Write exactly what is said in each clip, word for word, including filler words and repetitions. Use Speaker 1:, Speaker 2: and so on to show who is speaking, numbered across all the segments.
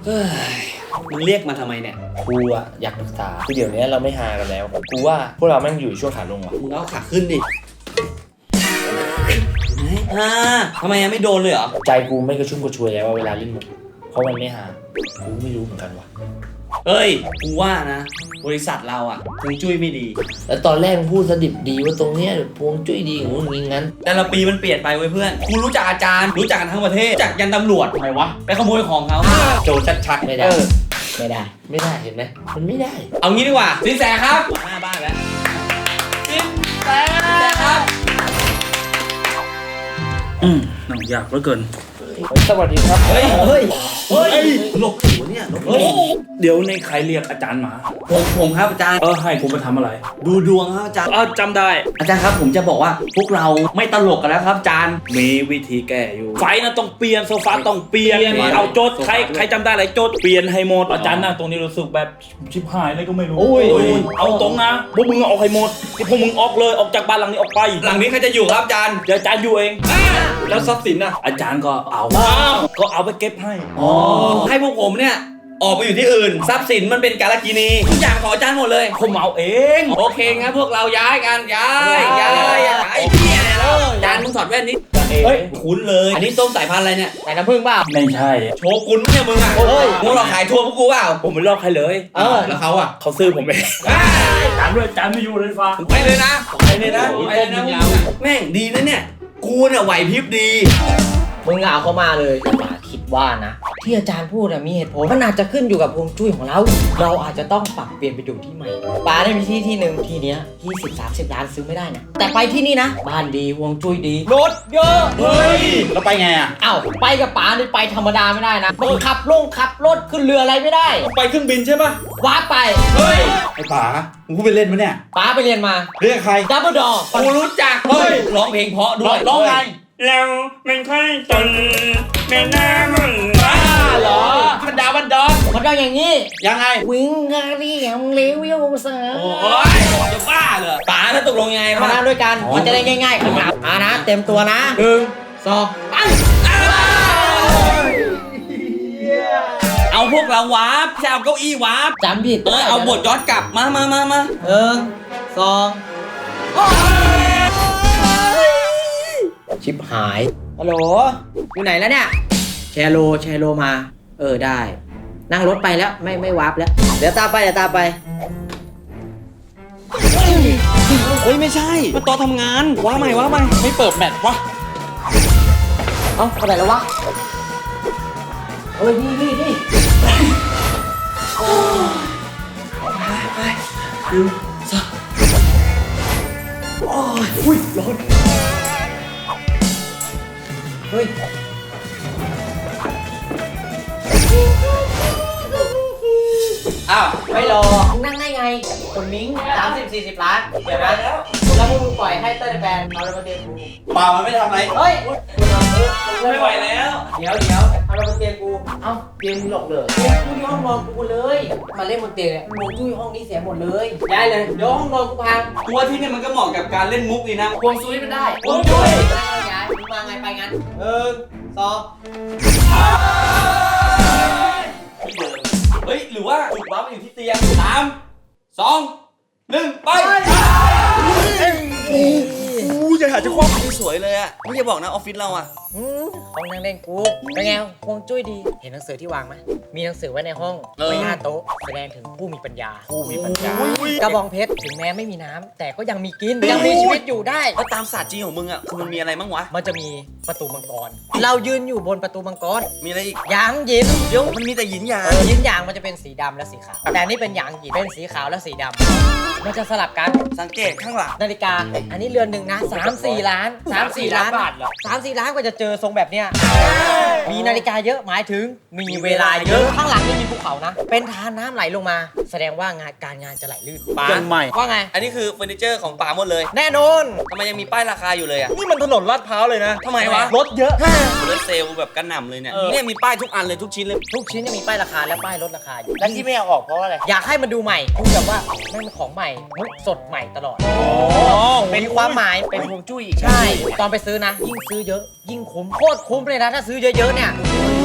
Speaker 1: เฮ้ยมึงเรียกมาทำไมเนี่ย
Speaker 2: กูอะอยากปรึกษาคือเดี๋ยวนี้เราไม่หากันแล้วกูว่าพวกเราแม่งอยู่ช่วงขาลงว่ะ
Speaker 1: มึงเอาขาขึ้นดิอ่าทำไมยังไม่โดนเลยเหรอ
Speaker 2: ใจกูไม่กระชุ่มกระชวยแล้วว่าเวลาเล่นมุกเพราะมันไม่หากูไม่รู้เหมือนกันว่ะ
Speaker 1: เฮ้ยกูว่านะบริษัทเราอ่ะฮวงจุ้ยไม่ดี
Speaker 2: แล้วตอนแรกพูดสดิบดีว่าตรงเนี้ยฮวงจุ้ยดีของมึงงั้น
Speaker 1: แต่ละปีมันเปลี่ยนไปเว้ยเพื่อนกูรู้จักอาจารย์รู้จักกันทั้งประเทศจากยันตำรวจทำไมวะไปขโมยของเขาโจรชัดๆ
Speaker 2: ไม่ได้ไม่ได้ไม่ได้เห็นไหมมันไม่ได้
Speaker 1: เอางี้ดีกว่าสินแสครับหน้าบ้านแล้วสินแสครับ
Speaker 3: อืมนั่งยากเหลือเกิน
Speaker 2: สวัสดีครับ
Speaker 1: เฮ้ยเฮ้ยเฮ้ยหลบหัวเนี่ยหลบหัว
Speaker 3: เดี๋ยวในใครเรียกอาจารย์มา
Speaker 1: ผมผมครับอาจารย์
Speaker 3: เออให้ผมไปทำอะไร
Speaker 1: ดูดวงครับอาจารย์
Speaker 3: เออจำได้
Speaker 1: อาจารย์ครับผมจะบอกว่าพวกเราไม่ตลกกันแล้วครับอาจารย์
Speaker 3: มีวิธีแก้อยู่ไฟนะต้องเปลี่ยนโซฟาต้องเปลี่ยนเอาโจทย์ใครใครจำได้อะไรโจทย์เปลี่ยนให้หมดอาจารย์นั่งตรงนี้รู้สึกแบบชิบหายอะไรก็ไม่รู้เอาตรงนะพวกมึงออกให้หมดที่พวกมึงออกเลยออกจากบ้านหลังนี้ออกไป
Speaker 1: หลังนี้ใครจะอยู่ครับอาจารย์
Speaker 3: เดี๋ยวอาจารย์อยู่เอง
Speaker 1: แล้วทรัพย์สินน่ะ
Speaker 3: อาจารย์ก็เอาก็เอาไปเก็บให้
Speaker 1: อ๋อให้พวกผมเนี่ยออกไปอยู่ที่อื่นทรัพย์สินมันเป็นกาลกินีทุกอย่างของอาจารย์หมดเลย
Speaker 3: ผมเอาเอง
Speaker 1: โอเคงั้นพวกเราย้ายกันย้ายย้ายย้ายเฮียแล้วอาจารย์มึงถอดแว่นนี้เฮ้ยคุ้นเลยอันนี้ส้มสายพันธุ์อะไรเนี่ย
Speaker 2: สายน้ำผึ้งเปล่า
Speaker 3: ไม่ใช่
Speaker 1: โชกุนเนี่ยมึงอ่ะเฮ้ยมึงหลอกขายทัวร์พวกกูเปล่า
Speaker 3: ผมไม่หลอกใครเลย
Speaker 1: เออแล้วเขาอ่ะ
Speaker 3: เขาซื้อผมเองจานด้วยจานไม่อยู่เลยฟ้า
Speaker 1: ไปเลยนะไปเลยนะไปเลยนะแม่งดีนะเนี่ยกูเนี่ยไหวพริบดี
Speaker 2: มึงเอาเข้ามาเลยป่าคิดว่านะที่อาจารย์พูดมีเหตุผลมันอาจจะขึ้นอยู่กับฮวงจุ้ยของเราเราอาจจะต้องปรับเปลี่ยนไปอยู่ที่ใหม่ป่าได้มีที่ที่หนึ่งที่เนี้ยที่สิบสามสิบล้านซื้อไม่ได้นะแต่ไปที่นี่นะบ้านดีฮวงจุ้ยดีรถเยอะ
Speaker 1: เฮ้ยแล้วไปไงอ่ะ
Speaker 2: อ้าวไปกับป่านี่ไปธรรมดาไม่ได้นะมึงขับลงขับรถขึ้นเรืออะไรไม่ได้
Speaker 1: ไปเครื่องบินใช่ปะ
Speaker 2: ว้าไป
Speaker 1: เฮ้ยไอ้ป๋ามึงพูดไปเล่นมั้ยเนี่ย
Speaker 2: ป๋าไปเรียนมา
Speaker 1: เรียกใคร
Speaker 2: ดับเบิลดอร์
Speaker 1: กูรู้จักเฮ้ยร้องเพลงเพราะด้วย
Speaker 3: ร้องไงเราไม่ค่อยจนไม่น่ามึง
Speaker 1: บ้าเหรอมันดาวมันดอน
Speaker 2: มันก็อย่างนี้
Speaker 1: ยังไง
Speaker 2: วิ่งกาลียมเลวิวเสือ
Speaker 1: โอ้ยจะบ้าเหรอป๋าถ้าตกลงยังไง
Speaker 2: มาด้วยกันมันจะได้ง่ายๆอ่านะเต็มตัวนะหนึ่งสองไป
Speaker 1: เอาพวกเราวาร์ปจะเอาเก้าอี้วาร์ป
Speaker 2: จำผิด
Speaker 1: เออเอาบทย้อนกลับมามามามา
Speaker 2: หนึ่งสองชิบหายฮัลโหลอยู่ไหนแล้วเนี่ยแชร์โลแชร์โลมาเออได้นั่งรถไปแล้วไม่ไม่วาร์ปแล้วเดี๋ยวตามไปเดี๋ยวตามไป
Speaker 1: เฮ้ยไม่ใช่มันตอนทำงานว้าใหม่ว้าใหม่ไม่เปิดแมทวะ
Speaker 2: เอ้าไปไหนแล้ววะเฮ้ยนี่นี่นี่
Speaker 1: ไปไปดูซะโอ้ยอุ้ยร้อน
Speaker 2: เฮ้ยอ้าวไม่รอนั่งได้ไงคนมิ้งสามสิบสี่สิบล้านเดี๋ยวนะแล้วมึงปล่อยให้เต้ยแบนเอาแล้วมาเตียงกู
Speaker 1: เปล่ามันไม่ทำอะไร
Speaker 2: เฮ้ย
Speaker 1: ไม่ไหวแล้ว
Speaker 2: เดี๋ยวเดี๋ยวเอาแล้วมาเตียงกูเอ้าเตียงมึงหลอกเลยเตียงกูที่ห้องนอนกูเลยมาเล่นบนเตียงเนี่ยมึงจุ้ยห้องนี้เสียหมดเลยได้เลยเดี๋ยวห้องนอนกูพัง
Speaker 1: กูว่าที่นี่มันก็เหมาะกับการเล่นมุกดีนะ
Speaker 2: ควงซุยมันได้ควงซุยย้ายมึงมาไงไปงั้นหนึ่งสอง
Speaker 1: เฮ้ยหรือว่าจุดว้ามันอยู่ที่เตียงสามสองหนึ่งไปกูจะหาเจ้าของสวยเลยอ่ะไม่ใช่บอกนะออฟฟิศเราอ่ะ
Speaker 2: ห้องนั่งเล่นกูเป็นไงฮวงจุ้ยดีเห็นหนังสือที่วางไหมมีหนังสือไว้ในห้องไว้หน้าโต๊ะแสดงถึงผู้มีปัญญา
Speaker 3: ผู้มีปัญญาก
Speaker 2: ระบองเพชรถึงแม้ไม่มีน้ำแต่ก็ยังมีกินยังมีชีวิตอยู่ได้
Speaker 1: แล้วตามศาสตร์จีนของมึงอ่ะคือมันมีอะไรบ้างวะ
Speaker 2: มันจะมีประตูมังกรเรายืนอยู่บนประตูมังกร
Speaker 1: มีอะไรอีก
Speaker 2: หยางหยิน
Speaker 1: เดี๋ยวมันมีแต่หยินหยาง
Speaker 2: หยินหยางมันจะเป็นสีดำและสีขาวแต่นี่เป็นหยางหยินเป็นสีขาวและสีดำมันจะสลับกัน
Speaker 1: สังเกตข้างหลัง
Speaker 2: นาฬิกาอันนี้เรือนหนึ่งนะสามสี่ล้านสามสี่ล้านบาทเหรอสามสี่ล้านกว่าจะเจอทรงแบบเนี้ยมีนาฬิกาเยอะหมายถึงมีเวลาเยอะข้างหลังนี่มีภูเขานะเป็นทานน้ำไหลลงมาแสดงว่างานการงานจะไหลลื่น
Speaker 1: ป๋า
Speaker 3: ใหม่
Speaker 2: ว่าไง
Speaker 1: อันนี้คือเฟอร์นิเจอร์ของป๋าหมดเลย
Speaker 2: แน่นอน
Speaker 1: ทำไมยังมีป้ายราคาอยู่เลยอ่ะ
Speaker 3: นี่มันถนนลาดพร้าวเลยนะ
Speaker 1: ทำไมวะ
Speaker 3: รถเยอะ
Speaker 1: รถเซลล์แบบกระหน่ำเลยเนี่ยเนี่ยมีป้ายทุกอันเลยทุกชิ้นเลย
Speaker 2: ทุกชิ้นจะมีป้ายราคาและป้ายลดราคาอยู่
Speaker 3: แล้วที่ไม่เอาออกเพราะอะไร
Speaker 2: อยากให้มันดูใหม่ดูแบบว่าไม่เป็นของใหม่มุกสดใหม่ตลอดเป็นความหมายเป็นฮวงจุ้ยใช่ตอนไปซื้อนะยิ่งซื้อเยอะยิ่งคุ้มโคตรคุ้มเลยนะถ้าซื้อเยอะๆเนี่ย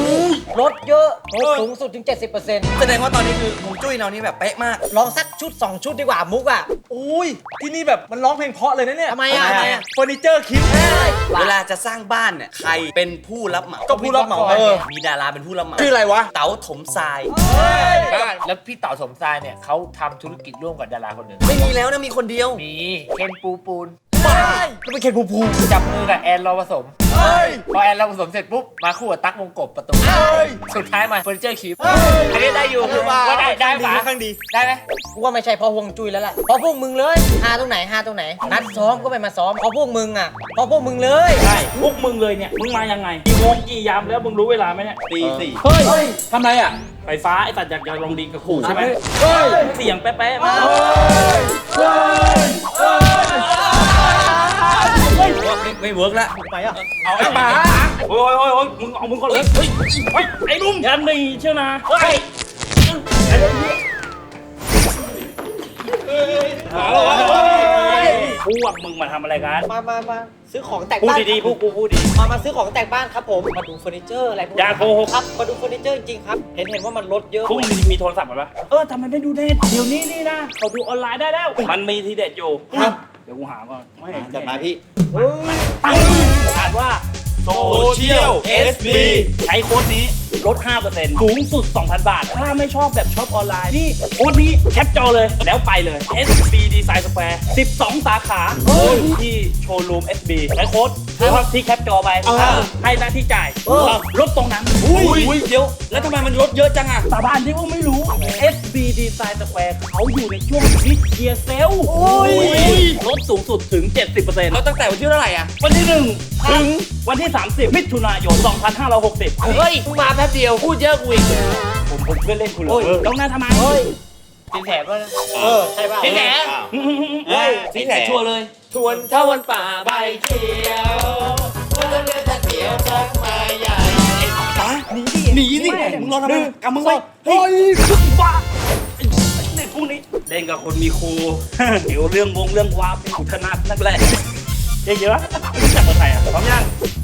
Speaker 2: ลดเยอะลดสูงสุดถึง เจ็ดสิบเปอร์เซ็นต์
Speaker 1: แสดงว่าตอนนี้คือฮวงจุ้ยเรานี่แบบเป๊ะมาก
Speaker 2: ลองสักชุดสองชุดดีกว่ามุกอ่ะ
Speaker 4: อุ้ยที่นี่แบบมันร้องเพลงเพราะเลยนะเนี่ย
Speaker 2: ทำไมอ่ะ
Speaker 4: ทำไมอะเฟอร์นิเจอร์คิด
Speaker 1: เวลาจะสร้างบ้านเนี่ยใครเป็นผู้รับเหมา
Speaker 4: ก็ผู้รับเหมาเออ
Speaker 1: มีดาราเป็นผู้รับเหมา
Speaker 4: ชื่ออะไรวะ
Speaker 1: เต๋าถมทราย
Speaker 5: แล้วพี่เต๋าสมชายเนี่ยเขาทำธุรกิจร่วมกับดาราคนหนึ่ง
Speaker 1: ไม่มีแล้วนะมีคนเดียว
Speaker 5: มีเคนปูปูน
Speaker 4: ก็เป็นเคนภูมิภูมิ
Speaker 5: จับมือกับแอนรอผสม
Speaker 4: เฮ้ย
Speaker 5: พอแอนรอผสมเสร็จปุ๊บมาคู่กับตั๊กวงกบประตู
Speaker 4: เฮ้ย
Speaker 5: สุดท้ายมาเฟอร์นิเจอร์คิป
Speaker 4: เฮ้ย
Speaker 5: อันนี้ได้อยู่ว่าได้ได้ปะ
Speaker 4: ข้างดี
Speaker 5: ได้ไหม
Speaker 2: กูว่าไม่ใช่เพราะฮวงจุ้ยแล้วล่ะเพราะพวกมึงเลยหาตรงไหนหาตรงไหนนัดซ้อมก็ไม่มาซ้อมเพราะพวกมึงอ่ะเพราะพวกมึงเลย
Speaker 3: ใช่พวกมึงเลยเนี่ยมึงมายังไงกี่โมงกี่ยามแล้วมึงรู้เวลาไหมเนี่ย
Speaker 1: ตีสี่
Speaker 3: เฮ้ย
Speaker 4: เฮ้ยทำไรอ่ะ
Speaker 3: ไฟฟ้าไอ้สัตว์อยากจะลองดีกับขู่ใช่ไหม
Speaker 4: เฮ้ย
Speaker 3: เสียงแป๊ะๆมา
Speaker 4: เฮ้ยเฮ้ยเฮ้ย
Speaker 1: ไม่ไม่เวิร์กแล้ว
Speaker 4: ไปอ่ะ
Speaker 3: เอาไอ้ป๋าโอ้ยโอ้ยโอ้ยมึงเอามึงก่อนเลยเฮ้ยเฮ้ยไอ้ลุงยันนี่เชียวนะเฮ้ยพวกมึงมาทำอะไรกัน
Speaker 2: มามามาซื้อของแต่ง
Speaker 3: พูด
Speaker 2: บ้าน
Speaker 3: ดีๆพวกกูพูดดี
Speaker 2: มามาซื้อของแต่งบ้านครับผมมาดูเฟอร์นิเจอร์อะไรพวก
Speaker 3: อย่าโกหก
Speaker 2: ครับมาดูเฟอร์นิเจอร์จริงๆครับเห็นเห็นว่ามันลดเยอะ
Speaker 3: พวกมึงมีโทรศัพท์ไหมปะเออทำไมไม่ดูเน็ตเดี๋ยวนี้นี่นะเขาดูออนไลน์ได้แล้ว มันมีทีเด็ดอยู่
Speaker 4: ครับ
Speaker 3: เดี๋ยวกูหาก่อนไม่
Speaker 1: จัดมาพี่
Speaker 3: อ่านว่าโซ
Speaker 1: เชียล เอส บี
Speaker 3: ใช้โค้ดนี้ลด ห้าเปอร์เซ็นต์ สูงสุด สองพัน บาท ถ้าไม่ชอบแบบช็อปออนไลน์นี่โค้ดนี้แคปจอเลย แล้วไปเลย เอส บี Design Square สิบสอง สาขาที่โชว์รูม เอส บี ใช้โค้ดที่แคปจอไปให้หน้าที่จ่ายลดตรงนั้น
Speaker 1: อุ้ยเดี๋ยว แล้วทำไมมันลดเยอะจังอ่ะ
Speaker 3: สาบานที่ว่าไม่รู้ เอส บี Design Square เขาอยู่ในช่วงบิ๊กเกียร์เซลลดสูงสุดถึง เจ็ดสิบเปอร์เซ็นต์
Speaker 1: แล้วตั้งแต่วันที่เท่าไหร่อ่ะ
Speaker 3: วันที่หนึ่งถึงวันที่ สามสิบ มิถุนายน สองพันห้าร้อยหกสิบ
Speaker 5: เฮ้ยมึงมาแป๊บเดียวพูดเยอะกูอีก
Speaker 3: ผมผมเพื่อนเล่นคุณเลยต้องหน้าทำไม
Speaker 5: เป็นแถบว่า
Speaker 2: เออใช่ป่ะ
Speaker 5: เป็นแถบ
Speaker 1: เฮ้ยสีแสชัวร์เลย
Speaker 5: ชวนเท่าวันป่าใบเขียววันเดือนจะเขียวสักมาใหญ่
Speaker 1: หนีดิหนีดิมึงรอทำไมกำมึงไว้
Speaker 3: เฮ้ยบ้าเล่นพวกนี้เล่นกับคนมีครู เดี๋ยวเรื่องวงเรื่องวาเป็นขุนธนัดนักแหละเยอะๆรู้จักคนไทยอ่ะพร้อมยัง